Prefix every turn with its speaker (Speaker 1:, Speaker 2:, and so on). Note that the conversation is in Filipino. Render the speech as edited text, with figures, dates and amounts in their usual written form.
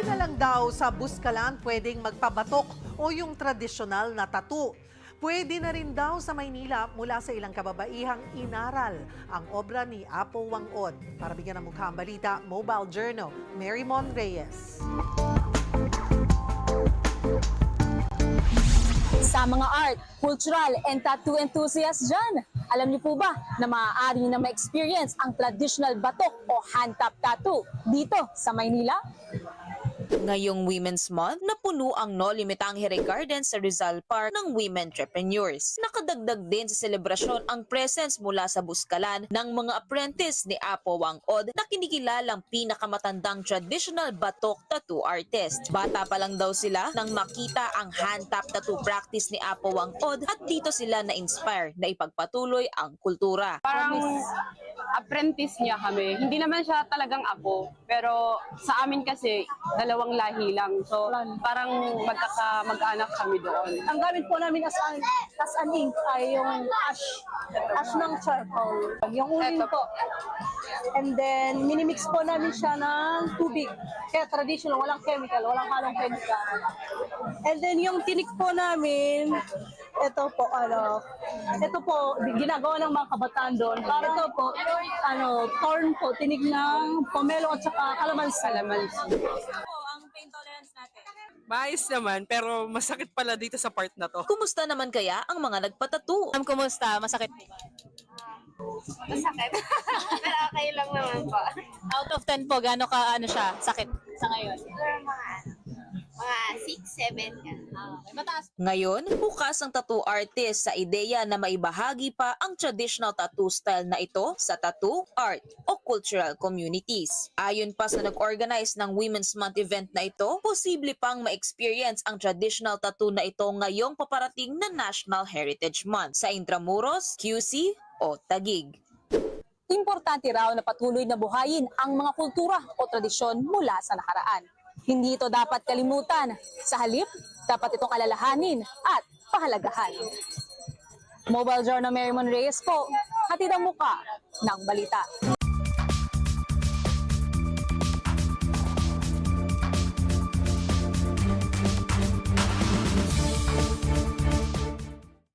Speaker 1: na lang daw sa Buskalan pwedeng magpabatok o yung tradisyonal na tattoo. Pwede na rin daw sa Maynila mula sa ilang kababaihang inaral ang obra ni Apo Wang-od. Para bigyan ng mukha ang balita, Mobile Journal, Mary Mon Reyes.
Speaker 2: Sa mga art, cultural, and tattoo enthusiasts dyan, alam niyo po ba na maaari na ma-experience ang traditional batok o hand-tap tattoo dito sa Maynila? Ngayong Women's Month, napuno ang No Limitang Here Garden sa Rizal Park ng women entrepreneurs. Nakadagdag din sa selebrasyon ang presence mula sa Buskalan ng mga apprentice ni Apo Wang-od na kinikilalang pinakamatandang traditional batok tattoo artist. Bata pa lang daw sila nang makita ang hand-tap tattoo practice ni Apo Wang-od at dito sila na-inspire na ipagpatuloy ang kultura.
Speaker 3: Parang apprentice niya kami. Hindi naman siya talagang apo, pero sa amin kasi dalawang lahi lang. So parang mag-anak kami doon.
Speaker 4: Ang gamit po namin as an ink ay yung ash ng charcoal. Yung uling po. And then, minimix po namin siya ng tubig. Kaya traditional, walang chemical, walang halong chemical. And then, yung tinik po namin, ito po, ginagawa ng mga kabataan doon. Para ito po, corn po, tinik ng pomelo at saka kalamansi.
Speaker 5: Maayos naman, pero masakit pala dito sa part na to.
Speaker 2: Kumusta naman kaya ang mga nagpatattoo? Kumusta? Masakit?
Speaker 6: Masakit. Pero okay lang naman po.
Speaker 2: Out of 10 po, gaano ka siya sakit sa ngayon?
Speaker 6: Siguro mga 6, 7 yan.
Speaker 2: Mataas. Ngayon, bukas ang tattoo artist sa ideya na maibahagi pa ang traditional tattoo style na ito sa tattoo, art o cultural communities. Ayon pa sa nag-organize ng Women's Month event na ito, posible pang ma-experience ang traditional tattoo na ito ngayong paparating na National Heritage Month sa Intramuros, QC o Taguig. Importante raw na patuloy na buhayin ang mga kultura o tradisyon mula sa nakaraan. Hindi ito dapat kalimutan. Sa halip, dapat itong alalahanin at pahalagahan. Mobile Journal Mary Mon Reyes po, hatid ang muka ng balita.